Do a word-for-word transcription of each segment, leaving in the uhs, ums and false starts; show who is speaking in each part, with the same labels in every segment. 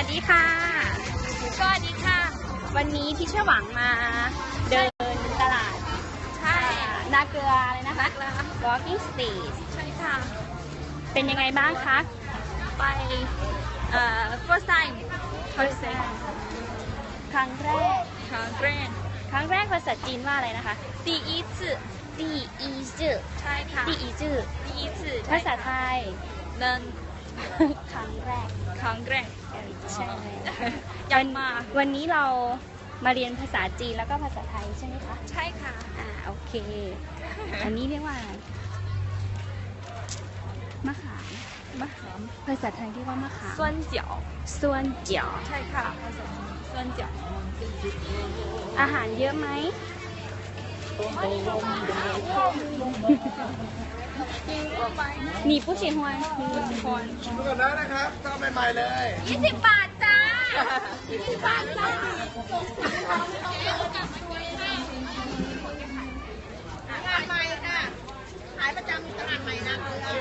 Speaker 1: สดีค่ะ
Speaker 2: สวัสดีค่ะ
Speaker 1: วันนี้พี่เชื่อหวังมาเดินตลาด
Speaker 2: ใช่
Speaker 1: นาเกลือเลยนะคะ
Speaker 2: นักแล้ว
Speaker 1: Walking Street
Speaker 2: ใช่ค่ะ
Speaker 1: เป็นยังไงบ้างคะ
Speaker 2: ไปเอ่อ first time first time
Speaker 1: ครั้งแรก
Speaker 2: ครั้งแรก
Speaker 1: ครั้งแรกภาษาจีนว่าอะไรนะคะ
Speaker 2: 第一次
Speaker 1: 第一次
Speaker 2: ใช่ค่ะ
Speaker 1: 第一次
Speaker 2: 第一次
Speaker 1: ภาษาไทย
Speaker 2: เดิน
Speaker 1: ครั้งแรก
Speaker 2: ครั้งแรก
Speaker 1: เออใช่
Speaker 2: ยังมา
Speaker 1: วันนี้เรามาเรียนภาษาจีนแล้วก็ภาษาไทยใช่ไหมคะ
Speaker 2: ใช่ค่ะ
Speaker 1: อ่าโอเค อันนี้เรียกว่าอะไรมะขาม
Speaker 2: มะขาม
Speaker 1: ภาษาไทยเรียกว่ามะขาม
Speaker 2: ส้วนเจียว
Speaker 1: ส่วนเจียว
Speaker 2: ใช่ค่ะภาษาจีนส้วนเจียว
Speaker 1: อาหารเยอะไหม
Speaker 2: กินเข้าไป
Speaker 1: มีผู้ชิฮวน
Speaker 2: ทุกคน
Speaker 3: ดูก่อนได้นะครับทำใหม่ๆเลย
Speaker 2: ยี่สิบบาทจ้ายี่สิบบาทจ้าตลาดใหม่ค่ะขายประจำตลาดใหม่นะ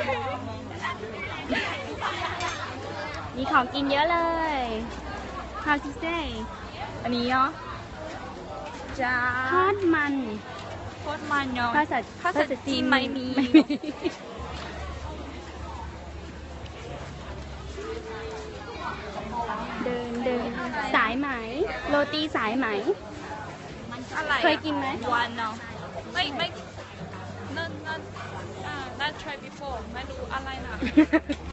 Speaker 1: มีของกินเยอะเลย How to say
Speaker 2: อันนี้เนาะจ้า
Speaker 1: ทอดมัน
Speaker 2: โคตรมันเนาะ
Speaker 1: ภาษา
Speaker 2: ภาษาจีนไม่มี
Speaker 1: ไม่มีเดินเดินสายไหม โรตีสายไหม
Speaker 2: อะไร
Speaker 1: เคยกินไหม
Speaker 2: วันเนาะไม่ไม่นั่นนั่นอ่า not try before ไม่รู้อะไรนะ